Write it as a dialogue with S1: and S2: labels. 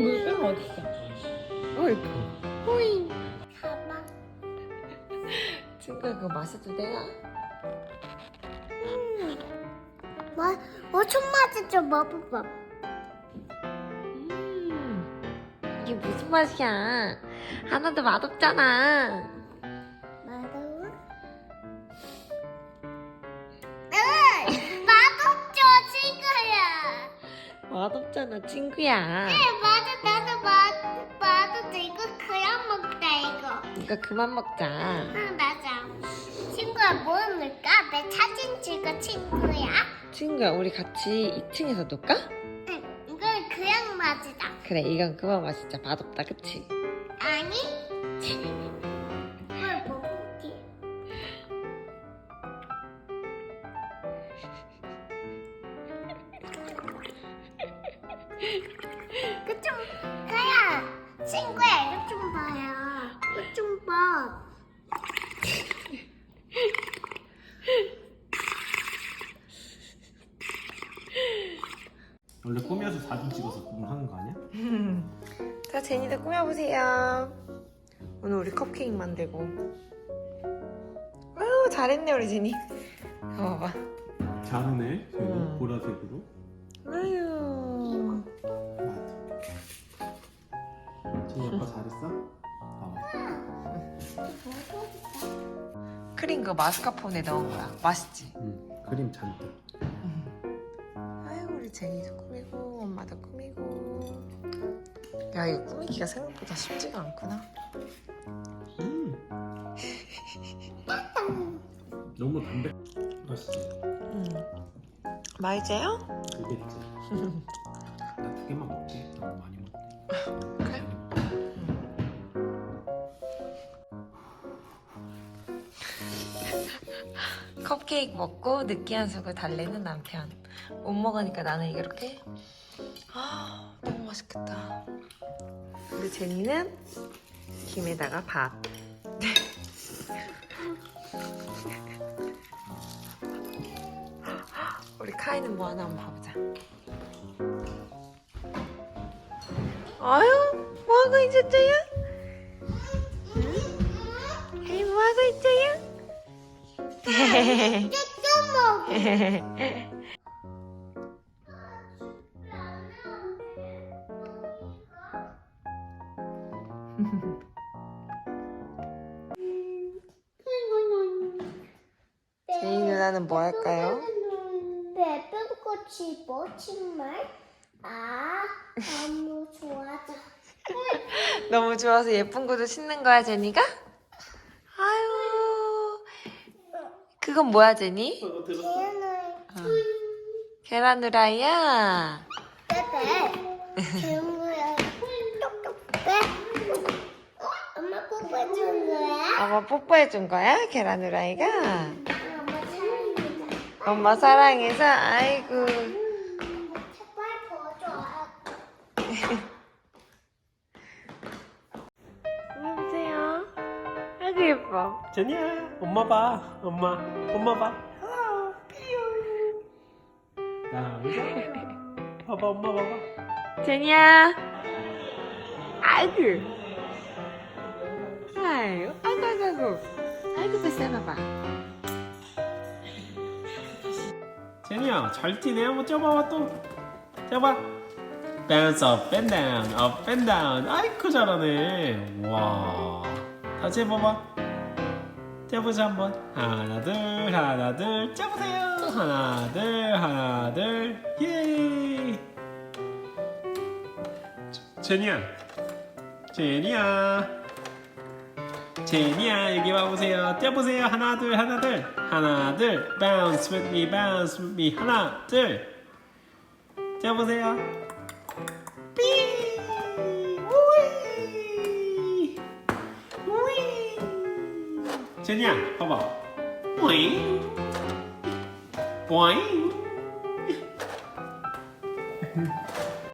S1: 물병 어딨어? 어이구. 호이.
S2: 가봐.
S1: 친구야, 그거 마셔도 되나?
S2: 좀 맛있죠, 먹어봐.
S1: 이게 무슨 맛이야? 하나도 맛없잖아.
S2: 맛없어? 맛없죠, 친구야.
S1: 맛없잖아, 친구야.
S2: 맞아, 나도 맛없어. 이거 그냥 먹자, 이거.
S1: 이거 그만 먹자.
S2: 응, 맞아. 친구야, 뭐 먹을까? 내 사진 찍어, 친구야.
S1: 친구야, 우리 같이 2층에서 놀까?
S2: 응, 이건 그냥 맛이다.
S1: 그래, 이건 그만 마시자. 맛없다, 그치?
S2: 아니? 뭘 먹을게. 그좀 가야 친구야 이거 좀 봐요. 이거 좀 봐.
S3: 원래 꾸며서 사진 찍어서 하는 거 아니야?
S1: 자, 제니도 꾸며보세요. 오늘 우리 컵케이크 만들고. 아유, 잘했네, 우리 제니. 봐봐.
S3: 잘하네. 쟤는 보라색으로.
S1: 아유.
S3: 맞아. 진이 아빠 잘했어?
S1: 크림 그 마스카포네 넣은 거야. 맛있지?
S3: 응. 그림 잔뜩.
S1: 아유, 우리 제니도 꾸미고, 엄마도 꾸미고. 야, 이거 꾸미기가 생각보다 쉽지가 않구나.
S3: 너무 담백. 맛있지?
S1: 맛있어요?
S3: 그겠지. 나 2개만 먹게. 너무 많이 먹게.
S1: 그래? 컵케이크 먹고 느끼한 속을 달래는 남편. 못 먹으니까 나는 이렇게. 아, 너무 맛있겠다. 우리 제니는 김에다가 밥. 우리 카이는 뭐 하나 한번 봐보자. 아유, 뭐 하고 있었어요? 응? 아이, 뭐 하고 있어요?
S2: 좀 먹어.
S1: 제이 누나는 뭐 할까요?
S2: 예쁜 꽃이 멋진 말? 너무 좋아져.
S1: 너무 좋아서 예쁜 구두 신는 거야, 제니가? 아유, 그건 뭐야, 제니?
S3: 이거 들었어?
S2: 얘는
S1: 계란 후라이야.
S2: 빼빼. 재웅이야. 빼. 엄마 뽀뽀해준 거야?
S1: 엄마 뽀뽀해준 거야, 계란 후라이가?
S2: 엄마 사랑이다.
S1: 엄마 사랑해서, 아이고.
S2: 제발 보여줘.
S1: 보세요. 아이고, 예뻐.
S3: 제니야, 엄마 봐. 엄마 봐. 야, 의자. 봐봐, 엄마 봐봐.
S1: 제니야. 아이고. 아이고, 아이고. 아이고, 뱃살봐봐.
S3: 제니야, 잘 뛰네. 한번 뛰어봐봐 또. 뛰어봐. bounce up and down, up and down. 아이쿠 잘하네. 와. 다시 해봐봐. 뛰어보자 한번. 하나 둘. 뛰어보세요. 하나 둘. 예. 제니야 여기 와보세요. 뛰어보세요. 하나 둘. bounce with me. 하나 둘. 뛰어보세요. 삐. 우이. 제니야 봐봐. 뿌잉. 뿌잉.